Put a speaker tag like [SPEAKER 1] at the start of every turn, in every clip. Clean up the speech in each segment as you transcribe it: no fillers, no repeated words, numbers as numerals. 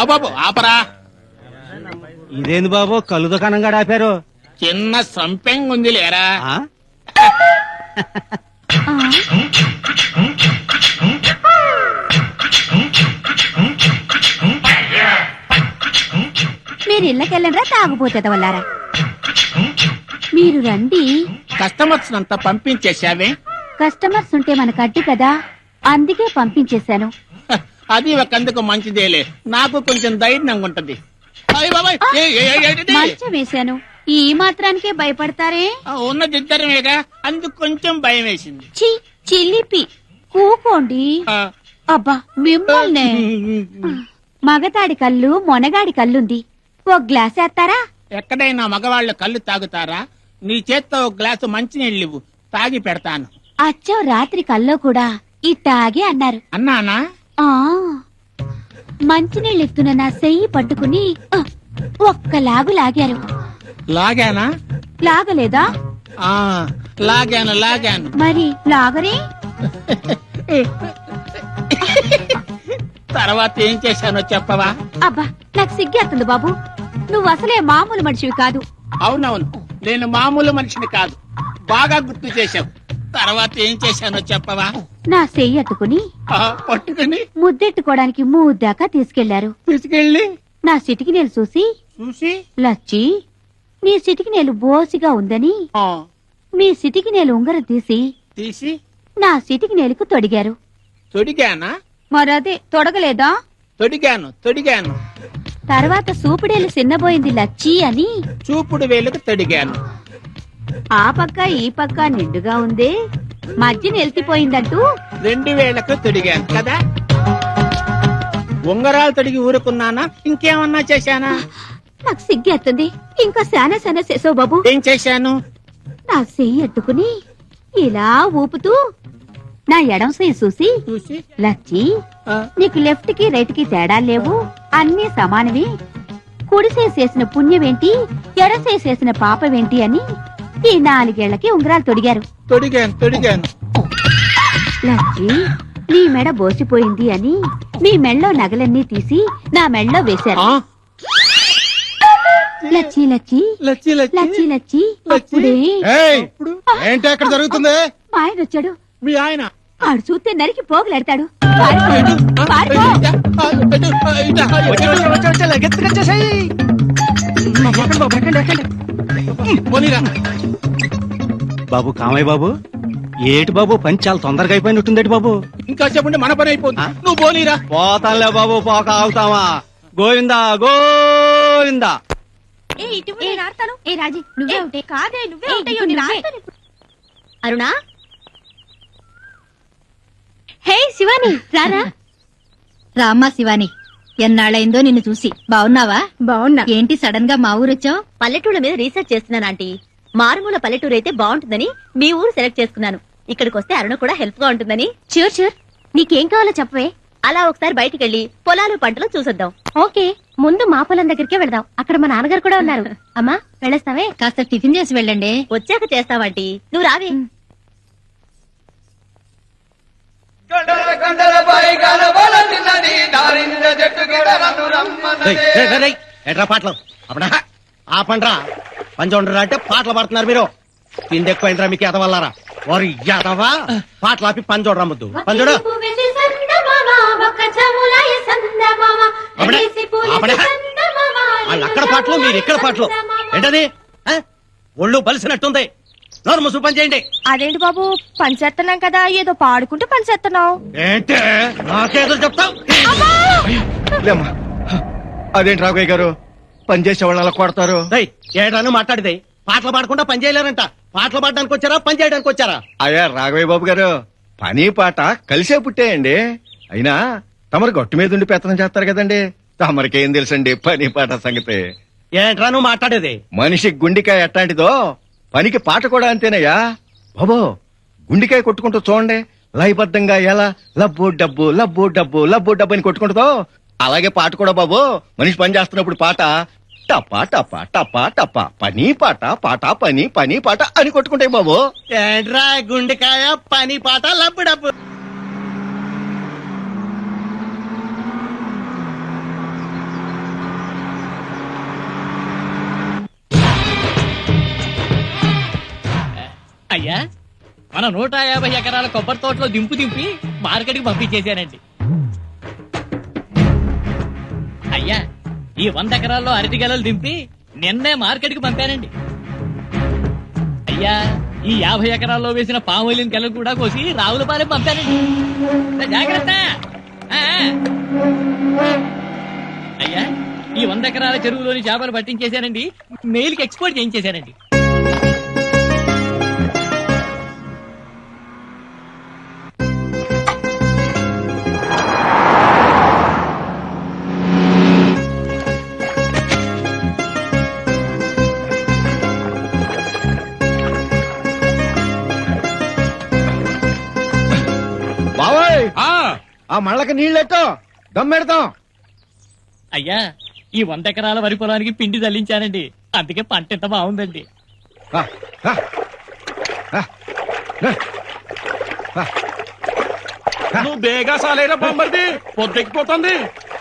[SPEAKER 1] బాబు ఆపరా.
[SPEAKER 2] ఇదేంది బాబు కళ్ళు దుకాణంగా ఆపారు?
[SPEAKER 1] చిన్న సంపెంగ్ ఉంది లేరా.
[SPEAKER 3] మీరు ఇళ్ళకెళ్ళరా తాగుపోతే వల్లారా? మీరు రండి.
[SPEAKER 1] కస్టమర్స్ అంతా పంపించేశావే.
[SPEAKER 3] కస్టమర్స్ ఉంటే మనకు అడ్డు కదా, అందుకే పంపించేశాను.
[SPEAKER 1] అది ఒకందుకు మంచిదేలే, నాకు కొంచెం ధైర్యంగా ఉంటది.
[SPEAKER 3] మంచం వేశాను, ఈ మాత్రానికే భయపడతారే?
[SPEAKER 1] ఉన్నది ఇద్దరమేగా, అందుకు కొంచెం భయం వేసింది.
[SPEAKER 3] చిల్లిపి కూకోండి. అబ్బా మిమ్మల్నే. మగతాడి కళ్ళు మొనగాడి కళ్ళుంది, ఓ గ్లాస్ వేస్తారా?
[SPEAKER 1] ఎక్కడైనా మగవాళ్ళు కళ్ళు తాగుతారా? నీ చేత్తో ఒక గ్లాసు మంచినీళ్ళు తాగి పెడతాను.
[SPEAKER 3] అచ్చో రాత్రి కల్లో కూడా ఇట్టాగే అన్నారు.
[SPEAKER 1] అన్నానా?
[SPEAKER 3] ఆ మంచినీళ్ళు ఎత్తున నా చెయ్యి పట్టుకుని ఒక్క లాగు లాగారు.
[SPEAKER 1] లాగానా?
[SPEAKER 3] లాగలేదా?
[SPEAKER 1] లాగాను.
[SPEAKER 3] మరి లాగరే?
[SPEAKER 1] తర్వాత ఏం చేశానో చెప్పవా?
[SPEAKER 3] అబ్బా నాకు సిగ్గేస్తుంది బాబు, నువ్వు అసలే మామూలు మనిషివి కాదు.
[SPEAKER 1] అవునవును, నేను మామూలు మనిషిని కాదు, బాగా గుర్తు చేశావు. తర్వాత ఏం చేశానో చెప్పవా?
[SPEAKER 3] నా చెయ్యి అట్టుకుని
[SPEAKER 1] పట్టుకుని
[SPEAKER 3] ముద్దెట్టుకోవడానికి మూద్దాకా తీసుకెళ్లి నా సిటికి నేలు చూసి లచ్చి నీ సిటికి నేలు బోసిగా ఉందని మీ సిటికి నేలు ఉంగరం తీసి నా సిటికి నేలుకు తొడిగారు.
[SPEAKER 1] తొడిగానా?
[SPEAKER 3] మరదే తొడగలేదా?
[SPEAKER 1] తొడిగాను.
[SPEAKER 3] తర్వాత సూపుడేలు చిన్నబోయింది లచ్చి అని
[SPEAKER 1] చూపుడు వేలుకు తొడిగాను.
[SPEAKER 3] ఆ పక్క ఈ పక్క నిండుగా ఉంది, మధ్య నెల్తిపోయిందంటూ
[SPEAKER 1] 2 వేలకు తొడిగాను కదా. ఉంగరాలు తొడిగి ఊరుకున్నానా, ఇంకేమన్నా చేశానా?
[SPEAKER 3] నాకు సిగ్గేస్తుంది. ఇంకా శానా చేసావు బాబు.
[SPEAKER 1] ఏం చేశాను?
[SPEAKER 3] నా చెయ్యి అట్టుకుని ఇలా ఊపుతూ నా ఎడం చెయ్యి చూసి లచ్చి నీకు లెఫ్ట్ కి రైట్ కి తేడా లేవు, అన్నీ సమానవి, కుడి చేసిన పుణ్యమేంటి, ఎడ చేసిన పాపమేంటి అని ఈ 4 ఏళ్లకి ఉంగరాలు తొడిగారు.
[SPEAKER 1] తొడిగాను.
[SPEAKER 3] లచ్చి నీ మెడ బోసిపోయింది అని మీ మెళ్ళో నగలన్నీ తీసి నా మెళ్ళో వేశారు. లచ్చి అప్పుడే
[SPEAKER 2] ఏంటి అక్కడ జరుగుతుంది?
[SPEAKER 3] మా ఆయన వచ్చాడు.
[SPEAKER 1] మీ ఆయన?
[SPEAKER 3] ఆడు చూస్తే నరికి పోగులెడతాడు.
[SPEAKER 2] బాబు కామయ్య బాబు, ఏటి బాబు పని చాలా తొందరగా అయిపోయినట్టుందేటి బాబు.
[SPEAKER 1] ఇంకా చెప్పండి, మన పని అయిపోతుంది. నువ్వు పోనీరా.
[SPEAKER 2] పోతానులే బాబు, పోక ఆగుతావా? గోవిందా.
[SPEAKER 3] అరుణా, హే శివాని రారా.
[SPEAKER 4] రామ్మా శివాని, ఎన్నాళ్ళైందో నిన్ను చూసి. బావున్నావా?
[SPEAKER 3] బావున్నా.
[SPEAKER 4] ఏంటి సడన్ గా మా ఊరొచ్చావు?
[SPEAKER 5] పల్లెటూళ్ళ మీద రీసెర్చ్ చేస్తున్నాను ఆంటీ. మారుమూల పల్లెటూరు అయితే బాగుంటుందని మీ ఊరు సెలెక్ట్ చేసుకున్నాను. ఇక్కడికి వస్తే అరుణ కూడా హెల్ప్ గా ఉంటుందని.
[SPEAKER 3] చూర్ నీకేం కావాలో చెప్పవే.
[SPEAKER 5] అలా ఒకసారి బయటికి వెళ్లి పొలాలు పంటలు చూసొద్దాం.
[SPEAKER 3] ఓకే, ముందు మా పొలం దగ్గరికే వెళ్దాం, అక్కడ మా నాన్నగారు కూడా ఉన్నారు. అమ్మా వెళ్ళేస్తావే?
[SPEAKER 4] కాస్త టిఫిన్ చేసి వెళ్ళండి.
[SPEAKER 5] వచ్చాక చేస్తావాంటీ, నువ్వు రావే.
[SPEAKER 2] ఎట్రా పాటలు అప్పుడా ఆపండ్రా. పంచండ్రా అంటే పాటలు పడుతున్నారు మీరు. తిండి ఎక్కువైందిరా మీకు ఎదవల్లారా. వారు ఎదవా పాటలు ఆపి పని చూడరా ముద్దు. పని చూడు. వాళ్ళు అక్కడ పాటలు, మీరు ఇక్కడ పాటలు. ఏంటది? ఒళ్ళు బలిసినట్టుంది. నోరు ముసు పని చేయండి.
[SPEAKER 3] అదేంటి బాబు, పని చేస్తున్నాం కదా, ఏదో పాడుకుంటూ పని చేస్తున్నావు.
[SPEAKER 2] ఏంటే నాకేదో చెప్తావు?
[SPEAKER 6] అదేంటి రాఘవయ్య గారు, పని చేసే వాళ్ళు అలా కొడతారు?
[SPEAKER 2] ఏడాను మాట్లాడితే పాటలు పాడకుండా పని చేయలేరంట. పాటలు పాడడానికి వచ్చారా, పని చేయడానికి వచ్చారా?
[SPEAKER 6] అయ్యా రాఘవయ్య బాబు గారు, పని పాట కలిసే పుట్టాయండి. అయినా తమరు గట్టు మీద ఉండి పెత్తనం చేస్తారు కదండి, తమరికేం తెలుసండి పని పాట సంగతి.
[SPEAKER 2] ఏంట్రా నువ్వు మాట్లాడేది?
[SPEAKER 6] మనిషి గుండికాయ ఎట్టాంటిదో పనికి పాట కూడా అంతేనయ్యా బాబో. గుండికాయ కొట్టుకుంటూ చూడండి, లయబద్ధంగా ఎలా లబ్బు డబ్బు లబ్బు డబ్బు లబ్బు డబ్బు అని కొట్టుకుంటుందో, అలాగే పాట కూడా బాబు. మనిషి పని చేస్తున్నప్పుడు పాట టపా టపా టపా టపా, పని పాట పాట పని పని పాట అని కొట్టుకుంటాయి బాబు.
[SPEAKER 2] ఏంట్రా గుండెకాయ పని పాట లబ్బు డబ్బు?
[SPEAKER 7] అయ్యా మన 150 ఎకరాల కొబ్బరి తోటలో దింపి మార్కెట్ కి పంపించేశానండి. అయ్యా ఈ 100 ఎకరాల్లో అరటి గెలలు దింపి నిన్నే మార్కెట్ కి పంపానండి. అయ్యా ఈ 50 ఎకరాల్లో వేసిన పామోలిన్ గెలలు కూడా కోసి రావులపాలెం పంపానండి. జాగ్రత్త. ఆ. అయ్యా ఈ 100 ఎకరాల చెరువులోని చేపలు పట్టించేశానండి. మెయిల్ కి ఎక్స్పోర్ట్ చేయించేశానండి.
[SPEAKER 6] బావోయ్ ఆ మళ్ళకి నీళ్ళెట్టో దమ్మెడతాం.
[SPEAKER 7] అయ్యా ఈ 100 ఎకరాల వరి పొలానికి పిండి చల్లించానండి. అందుకే పంట ఎంత బాగుందండి.
[SPEAKER 6] ఆ, ఆ, ఆ, ఆ.
[SPEAKER 1] నువ్వు బేగా సాలేరా బామ్మర్ది, పొద్దెక్కిపోతుంది.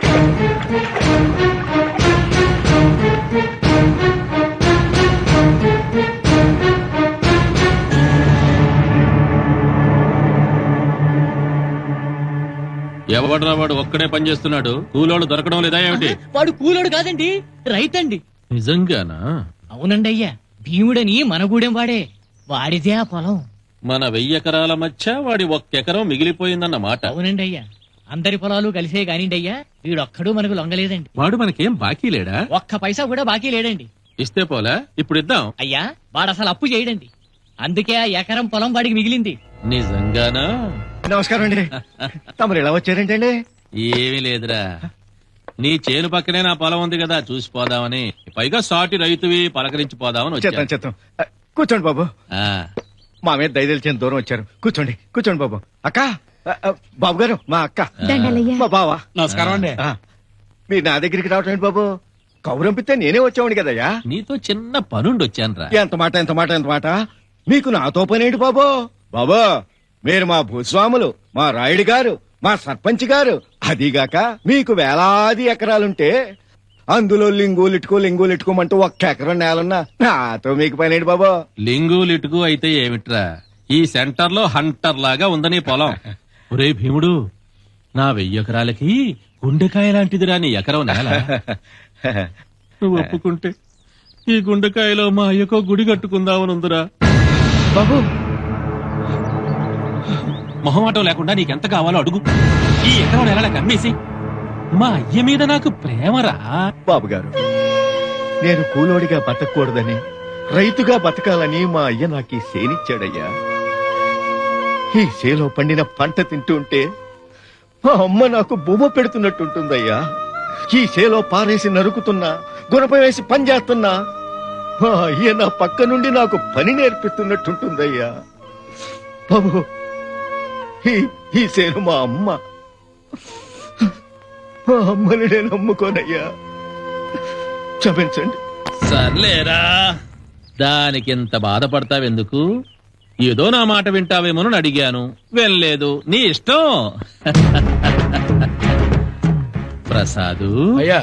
[SPEAKER 8] ఎవడరా వాడు ఒక్కడే పని చేస్తున్నాడు, కూలోడు దొరకడం లేదా ఏమిటి?
[SPEAKER 7] వాడు కూలోడు కాదండి, రైతండి.
[SPEAKER 8] నిజంగానా?
[SPEAKER 7] అవునండి అయ్యా, భీముడని మన గూడెం వాడే, వాడిదే ఆ పొలం.
[SPEAKER 8] మన 1000 ఎకరాల మధ్య వాడి 1 ఎకరం మిగిలిపోయిందన్న మాట.
[SPEAKER 7] అవునండి అయ్యా, అందరి పొలాలు కలిసే కానిండి అయ్యా, వీడొక్కడు మనకు లొంగలేదండి.
[SPEAKER 8] వాడు మనకేం బాకీ లేడా?
[SPEAKER 7] ఒక్క పైసా కూడా బాకీ లేడండి.
[SPEAKER 8] ఇస్తే పోలా, ఇప్పుడు ఇద్దాం.
[SPEAKER 7] అయ్యా వాడు అసలు అప్పు చేయడండి, అందుకే ఆ ఎకరం పొలం వాడికి మిగిలింది.
[SPEAKER 8] నిజంగానా?
[SPEAKER 6] నమస్కారం అండి. తమరు ఎలా వచ్చారేంటండి?
[SPEAKER 8] ఏమీ లేదురా, నీ చేను పక్కనే నా పొలం ఉంది కదా, చూసిపోదామని. పైగా సాటి రైతువి, పలకరించి పోదామని
[SPEAKER 6] చెత్తాం
[SPEAKER 8] వచ్చాను.
[SPEAKER 6] చెత్తాం. కూర్చోండి బాబు.
[SPEAKER 8] ఆ,
[SPEAKER 6] మా మీద దయదలిచిన దూరం వచ్చారు. కూర్చోండి కూర్చోండి బాబు. అక్క బాబు గారు మా అక్క మా బావా.
[SPEAKER 1] నమస్కారం అండి.
[SPEAKER 6] ఆ, మీరు నా దగ్గరికి రావటం ఏంటి బాబు? కౌరంపితే నేనే వచ్చావుని కదయ్యా.
[SPEAKER 8] నీతో చిన్న పనుండి వచ్చానురా.
[SPEAKER 6] ఎంత మాట ఎంత మాట ఎంత మాట. మీకు నాతో పనేంటి బాబు? బాబు మీరు మా భూస్వాములు, మా రాయుడు గారు, మా సర్పంచ్ గారు. అదిగాక మీకు వేలాది ఎకరాలుంటే అందులో లింగులిట్టుకోమంటూ 1 ఎకరం నేలన్నా నాతో మీకు పనేంటి బాబు?
[SPEAKER 8] లింగు లిటుకు అయితే ఏమిట్రా, ఈ సెంటర్ లో హంటర్ లాగా ఉందని పొలం. ఒరే భీముడు, నా 1000 ఎకరాలకి గుండెకాయ లాంటిదిరా నీ ఎకరం నేల. నువ్వు ఒప్పుకుంటే ఈ గుండెకాయలో మా అయ్యకో గుడి కట్టుకుందామనుందిరా.
[SPEAKER 6] బాబు
[SPEAKER 8] మొహమాటం లేకుండా నీకెంత కావాలో అడుగు. ఈ ఎకరం నెలలకు అమ్మేసి మా అయ్య మీద నాకు ప్రేమరా.
[SPEAKER 6] బాబు గారు, నేను కూలోడిగా బతకూడదని, రైతుగా బతకాలని మా అయ్య నాకు ఈ సేనిచ్చాడయ్యా. ఈ సేలో పండిన పంట తింటుంటే మా అమ్మ నాకు బొమ్మ పెడుతున్నట్టుంటుందయ్యా. ఈ సేలో పారేసి నరుకుతున్నా, గుణపం వేసి పని చేస్తున్నా మా అయ్య నా పక్క నుండి నాకు పని నేర్పిస్తున్నట్టుంటుందయ్యా. బాబు ఈ సేను మా అమ్మ, మా అమ్మని నేను నమ్ముకోనయ్యా. క్షమించండి.
[SPEAKER 8] సర్లేరా, దానికింత బాధపడతావెందుకు? ఏదో నా మాట వింటావేమోనని అడిగాను, వెళ్ళలేదు, నీ ఇష్టం. ప్రసాదు
[SPEAKER 1] అయ్యా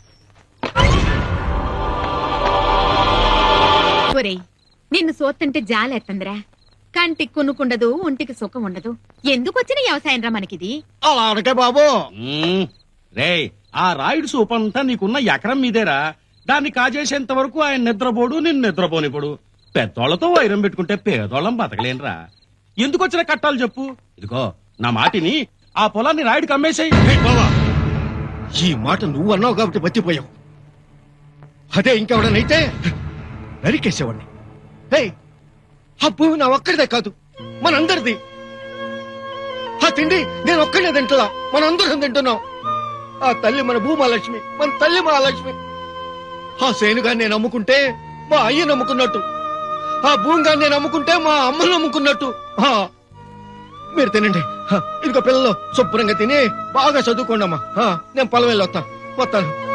[SPEAKER 3] ఒరేయ్, నిన్ను సోత్తంటే జాలేత్తందిరా. కంటికి కొనుక్కుండదు, ఒంటికి సుఖం ఉండదు. ఎందుకు వచ్చిన వ్యవసాయం రా మనకిది?
[SPEAKER 6] అలా అనకే బాబు.
[SPEAKER 1] రేయ్, ఆ రాయుడు సూపంతా నీకున్న ఎకరం మీదేరా. దాన్ని కాజేసేంత వరకు ఆయన నిద్రపోడు, నిన్ను నిద్రపోనిపోడు. పెద్దోళ్లతో వైరం పెట్టుకుంటే పేదోళ్ళం బతకలేనురా. ఎందుకు వచ్చిన కట్టాలు చెప్పు? ఇదిగో నా మాటిని, ఆ పొలాన్ని రాయుడికి అమ్మేసేయ్.
[SPEAKER 6] బాబా, ఈ మాట నువ్వు అన్నావు కాబట్టి బతిపోయావు. అదే ఇంకెవడనైతే నరికేసేవాడిని. ఏయ్, ఆ భూమి నా ఒక్కడిదే కాదు, మనందరిది. ఆ తిండి నేను ఒక్కడే తింటున్నా, మనందరం తింటున్నాం. ఆ తల్లి మన భూమాలక్ష్మి, మన తల్లి మహాలక్ష్మి. ఆ సేనుగా నేను అమ్ముకుంటే మా అయ్య నమ్ముకున్నట్టు, ఆ భూమిగా నేను అమ్ముకుంటే మా అమ్మ నమ్ముకున్నట్టు. మీరు తినండి. ఇదిగో పిల్లలు శుభ్రంగా తిని బాగా చదువుకోండి అమ్మా. నేను పొలం వెళ్ళి వస్తాను.